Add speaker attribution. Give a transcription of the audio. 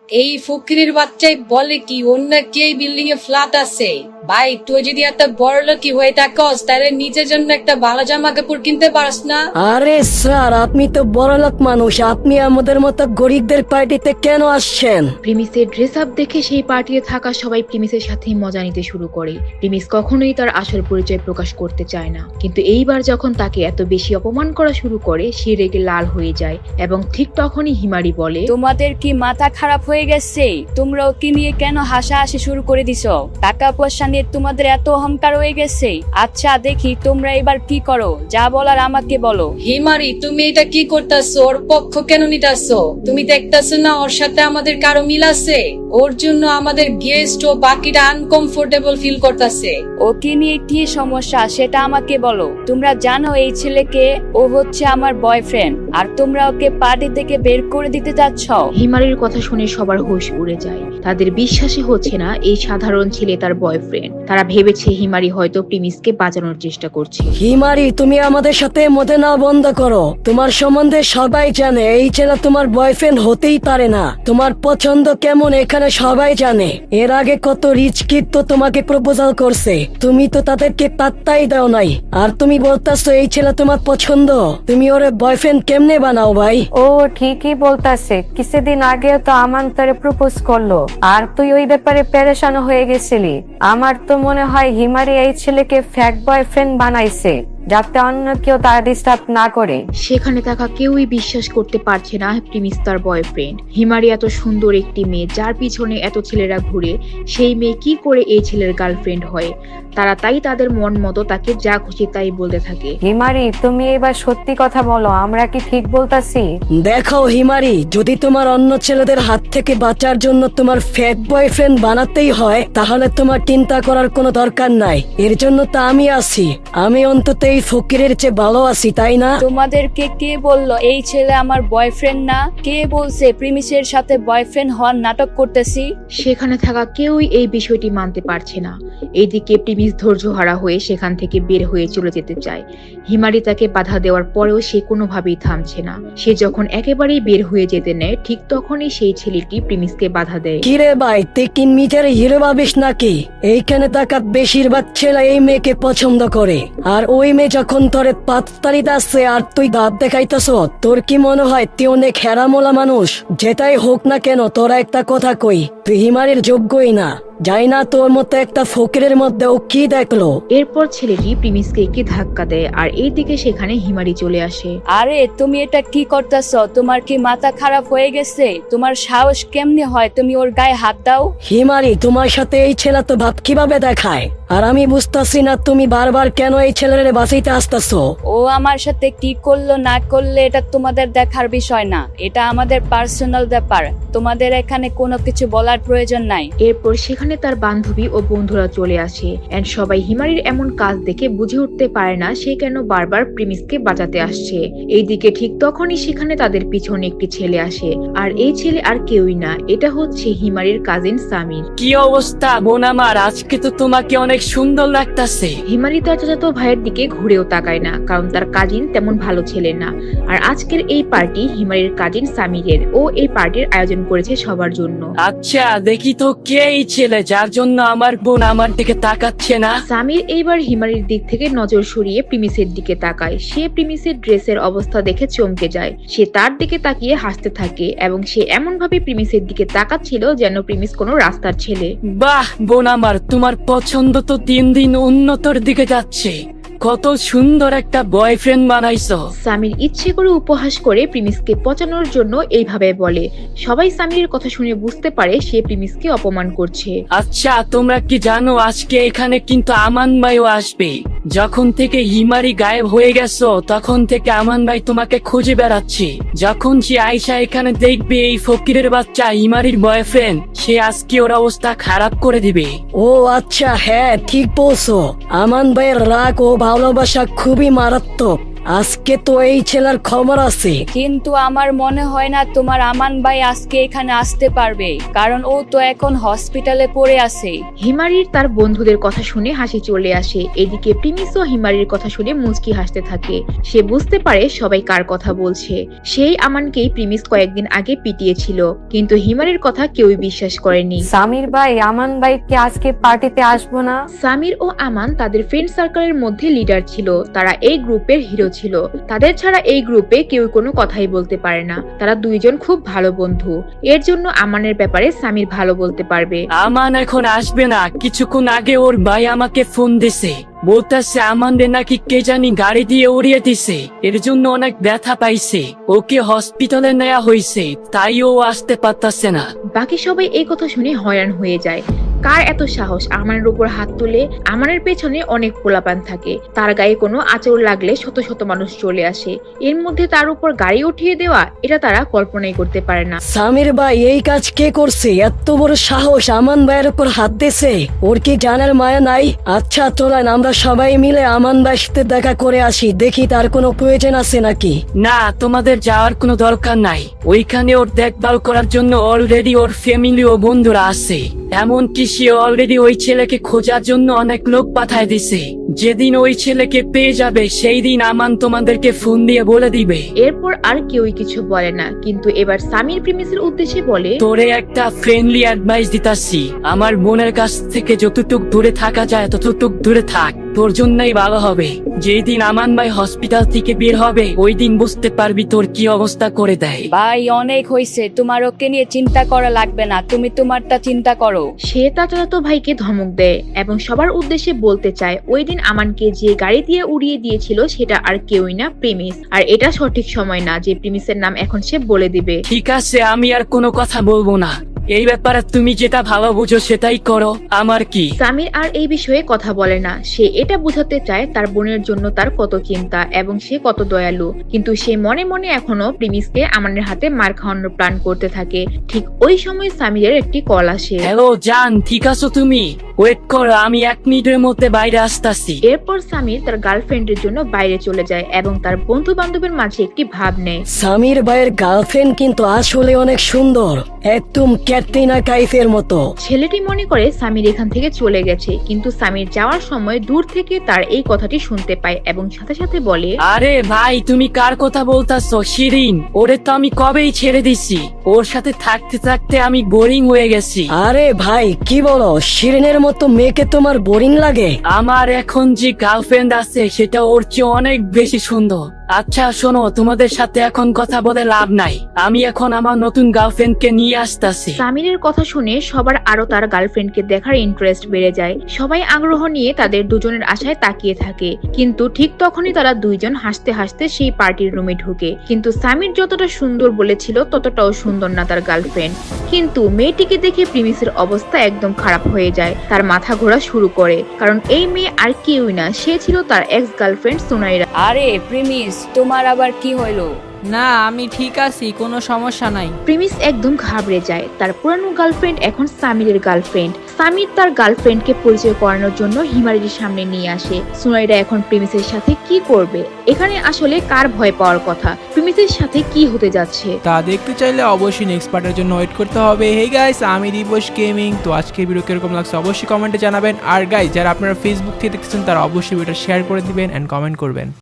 Speaker 1: এই ফকিরের বাচ্চাই বলে কি অন্য কি এই বিল্ডিং এ ফ্ল্যাট আছে। ভাই তুই যদি একটা বড় লোকই হয়ে থাকস তাহলে নিজের জন্য একটা ভালো জামা কাপড় কিনতে পারস না?
Speaker 2: আরে স্যার, আপনি তো বড়লোক মানুষ, আপনি আমাদের মতো গরিবদের পার্টিতে কেন আসছেন?
Speaker 3: প্রিমিসের ড্রেস আপ দেখে সেই পার্টিতে থাকা সবাই প্রিমিসের সাথে মজা নিতে শুরু করে। প্রিমিস কখনোই তার আসল পরিচয় প্রকাশ করতে চায় না, কিন্তু এইবার যখন তাকে এত বেশি অপমান করা শুরু করে সে রেগে লাল হয়ে যায় এবং ঠিক তখনই হিমারি বলে,
Speaker 4: তোমাদের কি মাথা খারাপ হয়ে গেছে? তোমরা ওকে নিয়ে কেন হাসাহাসি শুরু করে দিছো? টাকা পয়সা নিয়ে তোমাদের এত অহংকার হয়ে গেছে। আচ্ছা দেখি তোমরা এবার কি করো, যা বলার আমাকে বলো।
Speaker 1: হিমারি তুমি এটা কি করতেছো? ওর পক্ষ কেন নিতেছো? তুমি দেখতেছো না ওর সাথে আমাদের কারো মিল আছে? ওর জন্য আমাদের গেস্ট ও বাকিরা আনকমফোর্টেবল ফিল করতেছে।
Speaker 4: ওকে নিয়ে কি সমস্যা সেটা আমাকে বলো। তোমরা জানো এই ছেলেকে, ও হচ্ছে আমার বয়ফ্রেন্ড, আর তোমরা ওকে পার্টি থেকে বের করে দিতে চাচ্ছ।
Speaker 3: হিমারির কথা শুনে সবার হুঁশ উড়ে যায়। তাদের বিশ্বাসই হচ্ছে না এই সাধারণ ছেলে তার বয়ফ্রেন্ড। তারা ভেবেছে হিমারি হয়তো প্রিমিসকে বাঁচানোর চেষ্টা করছে।
Speaker 2: হিমারি, তুমি আমাদের সাথে মজা না বন্ধ করো। তোমার সম্বন্ধে সবাই জানে এই ছেলে তোমার বয়ফ্রেন্ড হতেই পারে না। তোমার পছন্দ কেমন এখানে সবাই জানে। এর আগে কত রিচ কিড তো তোমাকে প্রপোজাল করছে, তুমি তো তাদেরকে পাত্তাই দাও নাই। আর তুমি বলতেছো এই ছেলে তোমার পছন্দ, তুমি ওর বয়ফ্রেন্ড কেমনে বানাও ভাই?
Speaker 5: ও ঠিকই বলতাছে, কিছুদিন আগে তো আমান তোরে প্রপোজ করলো আর তুই ওই ব্যাপারে পেরেশান হয়ে গেছিলি। আমার তো মনে হয় হিমারি এই ছেলেকে ফ্যাক বয়ফ্রেন্ড বানাইছে যাতে অন্য কেউ তার ডিস্টার্ব না করে।
Speaker 3: সেখানে থাকা কেউই বিশ্বাস করতে পারছে না প্রিমিস তার বয়ফ্রেন্ড। হিমারি এত সুন্দর একটি মেয়ে যার পিছনে এত ছেলেরা ঘুরে, সেই মেয়ে কি করে এই ছেলের গার্লফ্রেন্ড হয়? তারা তাই তাদের মন মতো তাকে যা খুশি তাই বলতে থাকে।
Speaker 5: হিমারি, তুমি এবার সত্যি কথা বলো, আমরা কি ঠিক বলতাছি?
Speaker 2: দেখো হিমারি, যদি তোমার অন্য ছেলেদের হাত থেকে বাঁচার জন্য তোমার ফেক বয়ফ্রেন্ড বানাতেই হয় তাহলে তোমার চিন্তা করার কোনো দরকার নাই। এর জন্য তো আমি আছি। আমি অন্তত এই ফকিরের চেয়ে ভালো আছি, তাই না?
Speaker 4: তোমাদেরকে কে বললো এই ছেলে আমার বয়ফ্রেন্ড না? কে বলছে প্রিমিসের সাথে বয়ফ্রেন্ড হওয়ার নাটক করতেছি?
Speaker 3: সেখানে থাকা কেউই এই বিষয়টি মানতে পারছে না। এইদিকে প্রিমিস ধৈর্যহারা হয়ে সেখান থেকে বের হয়ে চলে যেতে চায়। হিমারি তাকে বাধা দেওয়ার পরেও সে কোনোভাবেই থামছে না। সে যখন একেবারেই বের হয়ে যেতে নেয় ঠিক তখনই সেই ছেলেটি প্রিমিসকে বাধা দেয়।
Speaker 2: কিরে ভাই, তুই কি নিজের হিরো ভাবিস নাকি? এইখানে থাকা বেশিরভাগ ছেলে এই মেয়েকে পছন্দ করে, আর ওই মেয়ে যখন তোরে পাততাড়ি আসছে আর তুই দাঁত দেখাইতেছ, তোর কি মনে হয় তুই অনেক হেরামোলা মানুষ? যেটাই হোক না কেন তোরা একটা কথা কই, তুই হিমারির যোগ্যই না। যাই না তোর মতো একটা ফকিরের মধ্যে ও কি দেখলো?
Speaker 3: এরপর ছেলেটি প্রিমিসকে একটি ধাক্কা দেয় আর এইদিকে সেখানে হিমারি চলে আসে।
Speaker 4: আরে তুমি এটা কি করতেছ? তোমার কি মাথা খারাপ হয়ে গেছে? তোমার সাহস কেমনে হয় তুমি ওর গায়ে হাত দাও?
Speaker 2: হিমারি, তোমার সাথে এই ছেলে তো ভাব কিভাবে দেখায়, আর আমি বুঝতেছি না তুমি বারবার কেন এই ছেলের বাঁচাইতে আসতেছো।
Speaker 4: ও আমার সাথে কি করলো না করলে এটা তোমাদের দেখার বিষয় না, এটা আমাদের পার্সোনাল ব্যাপার। তোমাদের এখানে কোনো কিছু বলার প্রয়োজন নাই।
Speaker 3: এরপর সেখানে তার বান্ধবী ও বন্ধুরা চলে আসে এন্ড সবাই হিমারির এমন কাজ দেখে বুঝে উঠতে পারে না সে কেন বারবার প্রিমিসকে বাঁচাতে আসছে। এইদিকে ঠিক তখনই সেখানে তাদের পিছনে একটি ছেলে আসে, আর এই ছেলে আর কেউই না, এটা হচ্ছে হিমারির কাজিন সামির।
Speaker 6: কি অবস্থা বোন আমার? আজকে তো তোমাকে অনেক সুন্দর লাগতাছে।
Speaker 3: হিমারি তার চাচাতো ভাইয়ের দিকে ঘুরেও তাকায় না, কারণ তার কাজিন তেমন ভালো ছেলে না। আর আজকের এই পার্টি হিমারির কাজিন সামিরের। ও এই পার্টির আয়োজন করেছে সবার জন্য।
Speaker 6: আচ্ছা দেখি তো কে এই ছেলে যার জন্য আমার বোন আমার দিকে তাকাচ্ছে না?
Speaker 3: সামির এইবার হিমারির দিক থেকে নজর সরিয়ে প্রিমিসের দিকে তাকায়। সে প্রিমিসের ড্রেসের অবস্থা দেখে চমকে যায়। সে তার দিকে তাকিয়ে হাসতে থাকে এবং সে এমন ভাবে প্রিমিসের দিকে তাকাচ্ছিল যেন প্রিমিস কোনো রাস্তার ছেলে।
Speaker 6: বাহ বোন আমার, তোমার পছন্দ তো দিন দিন উন্নতর দিকে যাচ্ছে। কত সুন্দর একটা বয়ফ্রেন্ড বানাইছো।
Speaker 3: সামির ইচ্ছে করে উপহাস করে প্রিমিসকে পচানোর জন্য এইভাবে বলে। সবাই সামিরের কথা শুনে বুঝতে পারে সে প্রিমিসকে অপমান করছে।
Speaker 6: আচ্ছা তোমরা কি জানো আজকে এখানে কিন্তু আমান ভাইও আসবে? যখন থেকে হিমারি গায়েব হয়ে গেছো তখন থেকে আমান ভাই তোমাকে খুঁজে বেড়াচ্ছে। যখন সে আয়শা এখানে দেখবে এই ফকিরের বাচ্চা হিমারির বয়ফ্রেন্ড, সে আজকে ওর অবস্থা খারাপ করে দিবে।
Speaker 2: ও আচ্ছা, হ্যাঁ ঠিক বলছো। আমান ভাইয়ের রাগ ও ভালোবাসা খুবই মারাত্মক। আজকে তো এই ছেলের খবর আছে।
Speaker 4: কিন্তু আমার মনে হয় না তোমার আমান ভাই আজকে এখানে আসতে পারবে, কারণ ও তো এখন হসপিটালে পড়ে আছে।
Speaker 3: হিমারির তার বন্ধুদের কথা শুনে হাসি চলে আসে। এদিকে প্রিমিসও হিমারির কথা শুনে মুচকি হাসতে থাকে। সে বুঝতে পারে সবাই কার কথা বলছে। সেই আমানকেই প্রিমিস কয়েকদিন আগে পিটিয়েছিল, কিন্তু হিমারির কথা কেউই বিশ্বাস করেনি।
Speaker 5: সামির ভাই আমান ভাই কি আজকে পার্টিতে আসবো না?
Speaker 3: সামির ও আমান তাদের ফ্রেন্ড সার্কেলের মধ্যে লিডার ছিল। তারা এই গ্রুপের হিরো ছিল। তাদের ছাড়া এই গ্রুপে কেউ কোনো কথাই বলতে পারে না। তারা দুইজন খুব ভালো বন্ধু। এর জন্য আমানের ব্যাপারে সামির ভালো বলতে পারবে।
Speaker 6: আমান এখন আসবে না। কিছুক্ষণ আগে ওর ভাই আমাকে ফোন দিছে, বলতেছে আমাদের নাকি কে জানি গাড়ি দিয়ে উড়িয়ে দিছে, এর জন্য অনেক ব্যথা পাইছে, ওকে হসপিটালে নেওয়া হয়েছে, তাই ও আসতে পারতাছে না।
Speaker 3: বাকি সবাই এই কথা শুনে হয়রান হয়ে যায়। কার এত সাহস আমানের উপর হাত তুলে? আমানের পেছনে অনেক পোলাপান থাকে। তার গায়ে কোনো আঁচড় লাগলে শত শত মানুষ চলে আসে। এর মধ্যে তার উপর গাড়ি উঠিয়ে দেওয়া, এটা তারা কল্পনাই করতে পারে না।
Speaker 2: সামির ভাই এই কাজ কে করছে? এত বড় সাহস আমান ভাইয়ের উপর হাত দিছে। ওর কি জানার মায়া নাই? আচ্ছা চলেন আমরা সবাই মিলে আমান ভাইয়ের সাথে দেখা করে আসি, দেখি তার কোনো প্রয়োজন আছে নাকি।
Speaker 6: না, তোমাদের যাওয়ার কোনো দরকার নাই। ওইখানে ওর দেখভাল করার জন্য অলরেডি ওর ফ্যামিলি ও বন্ধুরা আছে। এমনকি সে অলরেডি ওই ছেলেকে খোঁজার জন্য অনেক লোক পাঠায় দিছে। যেদিন ওই ছেলেকে পেয়ে যাবে সেই দিন আমান তোমাদেরকে ফোন দিয়ে বলে দিবে।
Speaker 3: এরপর আর কেউই কিছু বলে না, কিন্তু এবার সামির প্রিমিসের উদ্দেশ্যে বলে,
Speaker 6: তোরে একটা ফ্রেন্ডলি অ্যাডভাইস দিতাছি, আমার বোনের কাছ থেকে যতটুক দূরে থাকা যায় ততটুক দূরে থাক, তোর জন্যই ভালো হবে। যেই দিন আমান ভাই হসপিটাল থেকে বের হবে ওই দিন বুঝতে পারবি তোর কি অবস্থা করে দেয়।
Speaker 4: ভাই অনেক হয়েছে, তোমার ওকে নিয়ে চিন্তা করা লাগবে না, তুমি তোমারটা চিন্তা করো।
Speaker 3: সে তার চাচাতো ভাইকে ধমক দেয় এবং সবার উদ্দেশ্যে বলতে চায় ওই দিন আমানকে যে গাড়ি দিয়ে উড়িয়ে দিয়েছিল সেটা আর কেউই না, প্রিমিস। আর এটা সঠিক সময় না যে প্রিমিসের নাম এখন সে বলে দিবে।
Speaker 6: ঠিক আছে, আমি আর কোনো কথা বলবো না। এই ব্যাপারে তুমি যেটা ভালো বুঝো সেটাই করো, আমার কি।
Speaker 3: সামির আর এই বিষয়ে কথা বলে না। সে এটা বোঝাতে চায় তার বোনের জন্য তার কত চিন্তা এবং সে কত দয়ালু, কিন্তু সে মনে মনে এখনো প্রিমিসকে আমানের হাতে মার খাওয়ানোর প্ল্যান করতে থাকে। ঠিক ওই সময় সামিরের একটি কল আসে।
Speaker 6: হ্যালো জান, ঠিক আছো তুমি? ওয়েট করো, আমি 1 মিনিটের মধ্যে বাইরে আসতাছি।
Speaker 3: এরপর সামির তার গার্লফ্রেন্ডের জন্য বাইরে চলে যায় এবং তার বন্ধু বান্ধবের মাঝে একটি ভাব নেয়।
Speaker 2: সামির ভাইয়ের গার্লফ্রেন্ড কিন্তু আসলে অনেক সুন্দর, একদম ক্যাটরিনা কাইফের মতো।
Speaker 3: ছেলেটি মনে করে সামির এখান থেকে চলে গেছে, কিন্তু সামির যাওয়ার সময় দূর থেকে তার এই কথাটি শুনতে পায় এবং সাথে সাথে বলে,
Speaker 6: আরে ভাই, তুমি কার কথা বলতাছো? শিরিন, ওরে তো আমি কবেই ছেড়ে দিছি। ওর সাথে থাকতে থাকতে আমি বোরিং হয়ে গেছি।
Speaker 2: আরে ভাই কি বলো, শিরিনের মতো মেয়েকে তোমার বোরিং লাগে?
Speaker 6: আমার এখন যে গার্লফ্রেন্ড আছে সেটা ওর চেয়ে অনেক বেশি সুন্দর। আচ্ছা শোনো, তোমাদের সাথে এখন কথা বলে লাভ নাই, আমি এখন আমার নতুন গার্লফ্রেন্ডকে নিয়ে আসতেছি।
Speaker 3: সামিরের কথা শুনে সবার আরো তার গার্লফ্রেন্ডকে দেখার ইন্টারেস্ট বেড়ে যায়। সবাই আগ্রহ নিয়ে তাদের দুজনের আশায় তাকিয়ে থাকে, কিন্তু ঠিক তখনই তারা দুইজন হাসতে হাসতে সেই পার্টির রুমে ঢুকে। কিন্তু সামির যতটা সুন্দর বলেছিল ততটাও সুন্দর না তার গার্লফ্রেন্ড। কিন্তু মেয়েটিকে দেখে প্রিমিসের অবস্থা একদম খারাপ হয়ে যায়। তার মাথা ঘোরা শুরু করে, কারণ এই মেয়ে আর কেউই না, সে ছিল তার এক্স গার্লফ্রেন্ড সুনাইরা।
Speaker 4: আরে প্রিমিস, তোমার আবার কি হইলো?
Speaker 7: না, আমি ঠিক আছি, কোনো সমস্যা নাই।
Speaker 3: প্রিমিস একদম ঘাবড়ে যায়। তার পুরানো গার্লফ্রেন্ড এখন সামিরের গার্লফ্রেন্ড। সামির তার গার্লফ্রেন্ডকে পরিচয় করানোর জন্য হিমারির সামনে নিয়ে আসে। সুনাইরা এখন প্রিমিসের সাথে কি করবে? এখানে আসলে কার ভয় পাওয়ার কথা? প্রিমিসের সাথে কি হতে যাচ্ছে
Speaker 8: তা দেখতে চাইলে অবশ্যই নেক্সট পার্টের জন্য ওয়েট করতে হবে। হে গাইস, আমি দিবস গেমিং। তো আজকের ভিডিও কিরকম লাগছে অবশ্যই কমেন্টে জানাবেন। আর গাইস, যারা আপনারা ফেসবুক থেকে দেখতেছেন তারা অবশ্যই ভিডিওটা শেয়ার করে দিবেন এন্ড কমেন্ট করবেন।